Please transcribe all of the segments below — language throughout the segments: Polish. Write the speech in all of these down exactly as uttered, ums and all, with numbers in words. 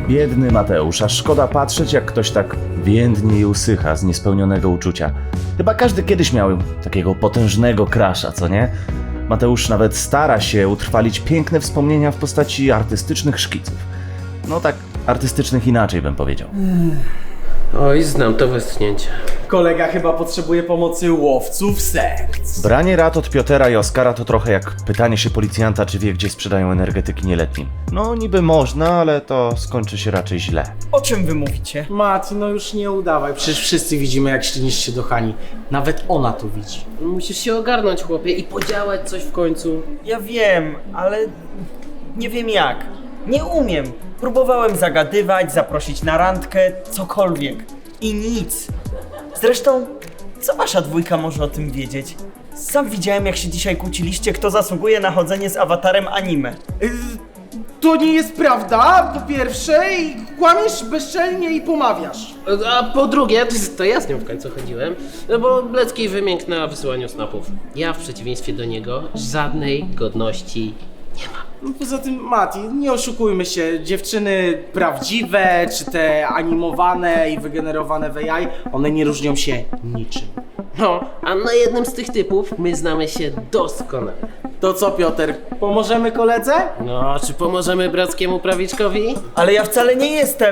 Biedny Mateusz, aż szkoda patrzeć, jak ktoś tak więdnie i usycha z niespełnionego uczucia. Chyba każdy kiedyś miał takiego potężnego crusha, co nie? Mateusz nawet stara się utrwalić piękne wspomnienia w postaci artystycznych szkiców. No tak, artystycznych inaczej bym powiedział. Oj, znam to westchnięcie. Kolega chyba potrzebuje pomocy łowców serc. Branie rad od Piotera i Oskara to trochę jak pytanie się policjanta, czy wie, gdzie sprzedają energetyki nieletnim. No niby można, ale to skończy się raczej źle. O czym wy mówicie? Mati, no już nie udawaj, przecież wszyscy widzimy, jak ślinisz się do Hani. Nawet ona to widzi. Musisz się ogarnąć, chłopie, i podziałać coś w końcu. Ja wiem, ale nie wiem jak. Nie umiem. Próbowałem zagadywać, zaprosić na randkę, cokolwiek. I nic. Zresztą, co wasza dwójka może o tym wiedzieć? Sam widziałem, jak się dzisiaj kłóciliście, kto zasługuje na chodzenie z awatarem anime. Yy, to nie jest prawda, po pierwsze, i kłamiesz bezczelnie i pomawiasz. A po drugie, to ja z nią w końcu chodziłem, no bo Blecki wymiękł na wysyłaniu snapów. Ja w przeciwieństwie do niego żadnej godności nie mam. No poza tym, Mati, nie oszukujmy się, dziewczyny prawdziwe, czy te animowane i wygenerowane w A I, one nie różnią się niczym. No, a na jednym z tych typów my znamy się doskonale. To co, Piotr, pomożemy koledze? No, czy pomożemy brackiemu prawiczkowi? Ale ja wcale nie jestem...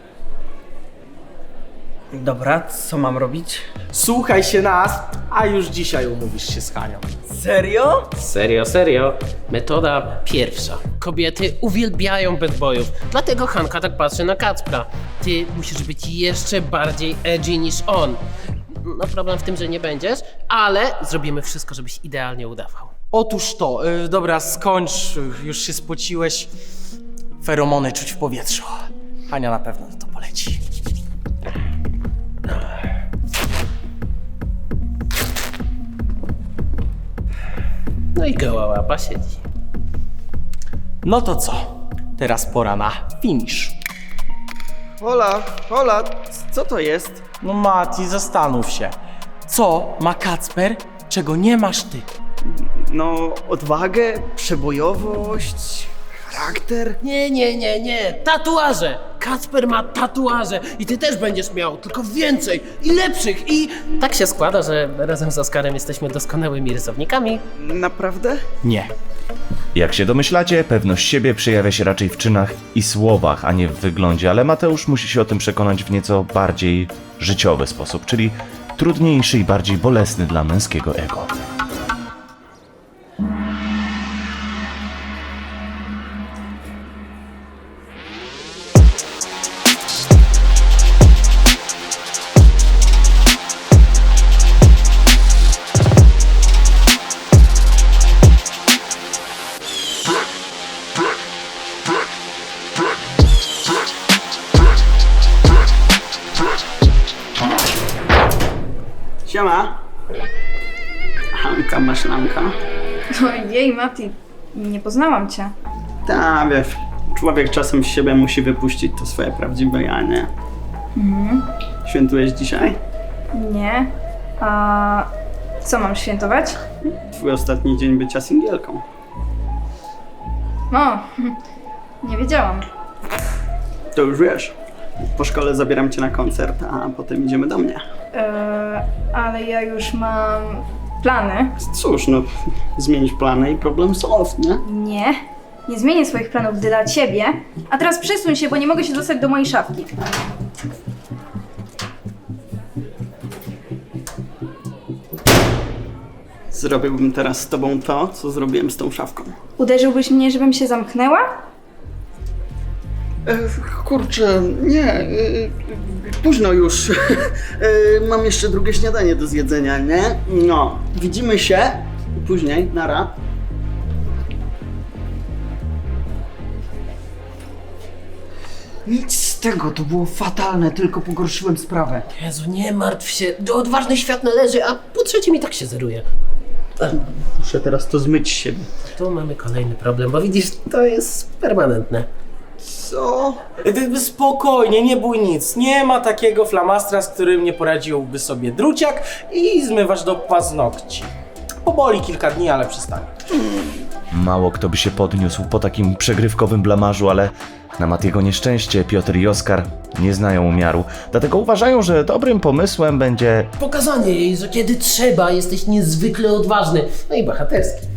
Dobra, co mam robić? Słuchaj się nas, a już dzisiaj umówisz się z Hanią. Serio? Serio, serio. Metoda pierwsza. Kobiety uwielbiają bad boyów, dlatego Hanka tak patrzy na Kacpra. Ty musisz być jeszcze bardziej edgy niż on. No problem w tym, że nie będziesz, ale zrobimy wszystko, żebyś idealnie udawał. Otóż to, yy, dobra, skończ, yy, już się spociłeś. Feromony czuć w powietrzu. Hania na pewno to poleci. No i goła łapa siedzi. No to co? Teraz pora na finish. Hola, hola, co to jest? No Mati, zastanów się. Co ma Kacper, czego nie masz ty? No, odwagę, przebojowość, charakter. Nie, nie, nie, nie. Tatuaże! Kacper ma tatuaże i ty też będziesz miał, tylko więcej i lepszych i... Tak się składa, że razem z Oskarem jesteśmy doskonałymi rysownikami. Naprawdę? Nie. Jak się domyślacie, pewność siebie przejawia się raczej w czynach i słowach, a nie w wyglądzie, ale Mateusz musi się o tym przekonać w nieco bardziej życiowy sposób, czyli trudniejszy i bardziej bolesny dla męskiego ego. Siema. Hanka, maślanka. Ojej, Mati, nie poznałam cię. Ta, wiesz, człowiek czasem z siebie musi wypuścić to swoje prawdziwe ja, nie? Mhm. Świętujesz dzisiaj? Nie. A co mam świętować? Twój ostatni dzień bycia singielką. O, nie wiedziałam. To już wiesz. Po szkole zabieram cię na koncert, a potem idziemy do mnie. Eee, ale ja już mam plany. Cóż, no, zmienić plany i problem solve, nie? Nie, nie zmienię swoich planów dla ciebie. A teraz przesuń się, bo nie mogę się dostać do mojej szafki. Zrobiłbym teraz z tobą to, co zrobiłem z tą szafką. Uderzyłbyś mnie, żebym się zamknęła? E, kurczę, nie, e, późno już. E, mam jeszcze drugie śniadanie do zjedzenia, nie? No, widzimy się później, nara. Nic z tego, to było fatalne, tylko pogorszyłem sprawę. Jezu, nie martw się, odważny świat należy, a po trzecim i tak się zeruje. Muszę teraz to zmyć z siebie. Tu mamy kolejny problem, bo widzisz, to jest permanentne. Co? Ty, spokojnie, nie bój nic. Nie ma takiego flamastra, z którym nie poradziłby sobie druciak i zmywasz do paznokci. Poboli kilka dni, ale przestanie. Mało kto by się podniósł po takim przegrywkowym blamarzu, ale na Matiego nieszczęście Piotr i Oskar nie znają umiaru. Dlatego uważają, że dobrym pomysłem będzie... Pokazanie jej, że kiedy trzeba, jesteś niezwykle odważny, no i bohaterski.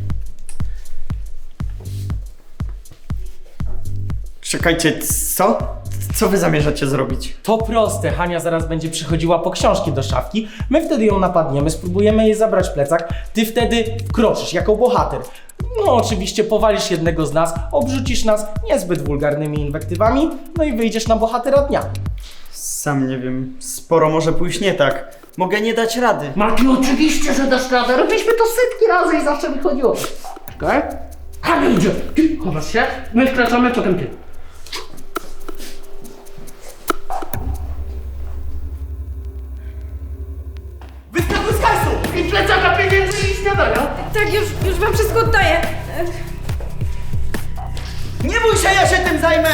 Czekajcie, co? Co wy zamierzacie zrobić? To proste, Hania zaraz będzie przychodziła po książki do szafki, my wtedy ją napadniemy, spróbujemy jej zabrać plecak, ty wtedy wkroczysz jako bohater. No oczywiście powalisz jednego z nas, obrzucisz nas niezbyt wulgarnymi inwektywami, no i wyjdziesz na bohatera dnia. Sam nie wiem, sporo może pójść nie tak. Mogę nie dać rady. Mati, oczywiście, że dasz radę. Robiliśmy to setki razy i zawsze wychodziło. Czekaj. Hania idzie. Ty chowasz się, my wkraczamy, potem ty. Wyskakuj z hajsu! I plecaka, pieniędzy i śniadania. Tak, już, już wam wszystko oddaję. Nie bój się, ja się tym zajmę!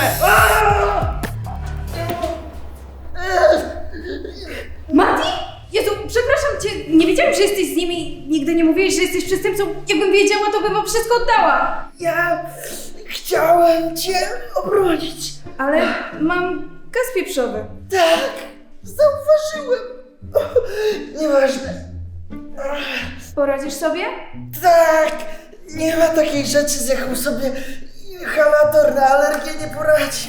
Mati? Jezu, przepraszam cię, nie wiedziałam, że jesteś z nimi. Nigdy nie mówiłeś, że jesteś przestępcą. Jakbym wiedziała, to bym wam wszystko oddała. Ja chciałem cię obronić. Ale mam gaz pieprzowy. Tak, zauważyłem. Nieważne. Poradzisz sobie? Tak, nie ma takiej rzeczy, z jaką sobie inhalator na alergię nie poradzi.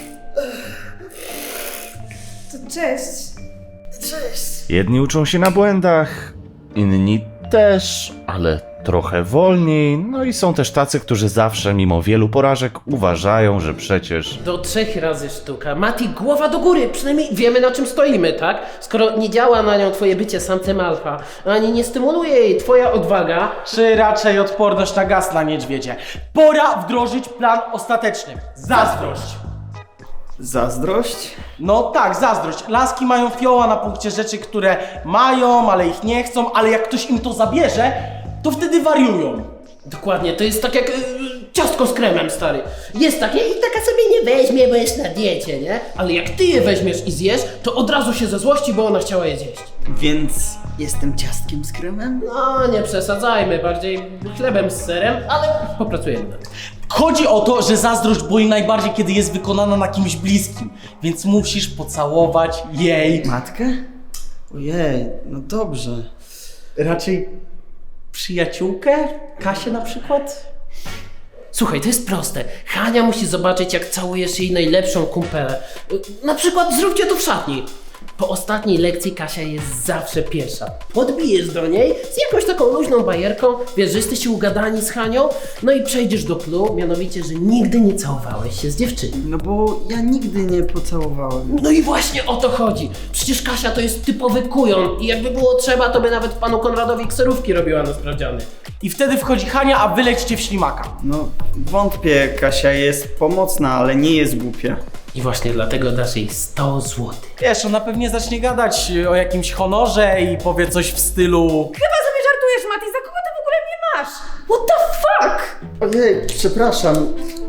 To cześć. Cześć. Jedni uczą się na błędach, inni też, ale trochę wolniej. No i są też tacy, którzy zawsze, mimo wielu porażek, uważają, że przecież... Do trzech razy sztuka. Mati, głowa do góry, przynajmniej wiemy na czym stoimy, tak? Skoro nie działa na nią twoje bycie samcem alfa, ani nie stymuluje jej twoja odwaga, Czy raczej odporność na gaz na niedźwiedzie. Pora wdrożyć plan ostateczny. Zazdrość. Zazdrość? No tak, zazdrość. Laski mają fioła na punkcie rzeczy, które mają, ale ich nie chcą, ale jak ktoś im to zabierze, to wtedy wariują. dokładnie, to jest tak jak y, ciastko z kremem, stary. Jest takie i taka sobie nie weźmie, bo jest na diecie, nie? Ale jak ty je weźmiesz i zjesz, to od razu się ze złości, bo ona chciała je zjeść. Więc jestem ciastkiem z kremem? No, nie przesadzajmy, bardziej chlebem z serem, ale popracujemy nad tym. Chodzi o to, że zazdrość boli najbardziej, kiedy jest wykonana na kimś bliskim, więc musisz pocałować jej. Matkę? Ojej, no dobrze. Raczej przyjaciółkę? Kasię na przykład? Słuchaj, to jest proste. Hania musi zobaczyć, jak całujesz jej najlepszą kumpelę. Y, Na przykład zróbcie to w szatni. Po ostatniej lekcji Kasia jest zawsze pierwsza. Podbijesz do niej z jakąś taką luźną bajerką, wiesz, że jesteście ugadani z Hanią, no i przejdziesz do clou, mianowicie, że nigdy nie całowałeś się z dziewczyną. No bo ja nigdy nie pocałowałem. No i właśnie o to chodzi. Przecież Kasia to jest typowy kujon i jakby było trzeba, to by nawet panu Konradowi kserówki robiła na sprawdziany. I wtedy wchodzi Hania, a wy lecicie w ślimaka. No wątpię, Kasia jest pomocna, ale nie jest głupia. I właśnie dlatego dasz jej sto złotych. Wiesz, ona pewnie zacznie gadać o jakimś honorze i powie coś w stylu... Chyba sobie żartujesz, Mati, za kogo ty w ogóle mnie masz? What the fuck? Ojej, przepraszam.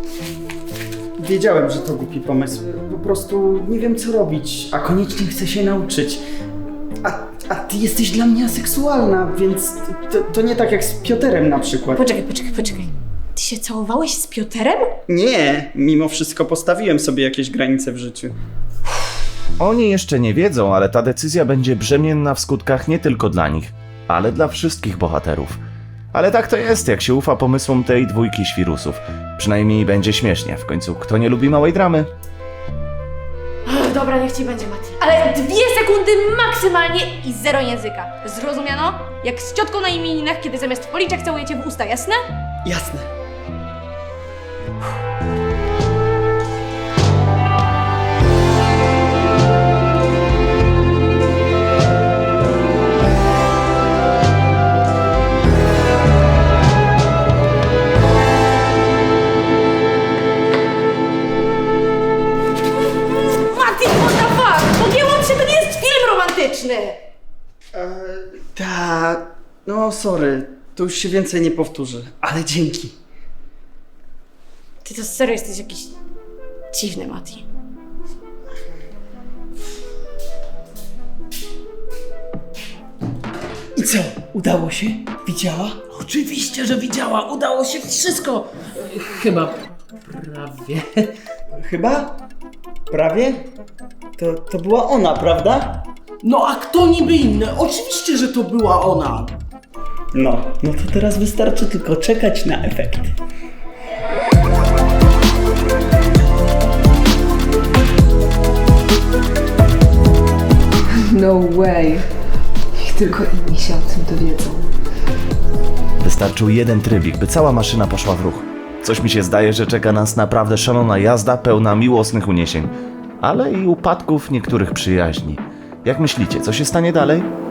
Wiedziałem, że to głupi pomysł. Po prostu nie wiem co robić, a koniecznie chcę się nauczyć. A, a ty jesteś dla mnie aseksualna, więc to, to nie tak jak z Piotrem na przykład. Poczekaj, poczekaj, poczekaj. Ty się całowałeś z Piotrem? Nie, mimo wszystko postawiłem sobie jakieś granice w życiu. Oni jeszcze nie wiedzą, ale ta decyzja będzie brzemienna w skutkach nie tylko dla nich, ale dla wszystkich bohaterów. Ale tak to jest, jak się ufa pomysłom tej dwójki świrusów. Przynajmniej będzie śmiesznie. W końcu, kto nie lubi małej dramy? Dobra, niech ci będzie, Mati. Ale dwie sekundy maksymalnie i zero języka. Zrozumiano? Jak z ciotką na imieninach, kiedy zamiast w policzek całujecie w usta, jasne? Jasne. Mati, what the fuck? Pogięłam się, to nie jest film romantyczny! E, ta, no sorry, to już się więcej nie powtórzy, ale dzięki. Ty to serio jesteś jakiś dziwny, Mati. I Co, udało się? Widziała? Oczywiście, że widziała, udało się wszystko. Chyba prawie. Chyba? Prawie? To, to była ona, prawda? No a kto niby inny? Oczywiście, że to była ona. No, no to teraz wystarczy tylko czekać na efekt. No way. Niech tylko inni się o tym dowiedzą. Wystarczył jeden trybik, by cała maszyna poszła w ruch. Coś mi się zdaje, że czeka nas naprawdę szalona jazda pełna miłosnych uniesień, ale i upadków niektórych przyjaźni. Jak myślicie, co się stanie dalej?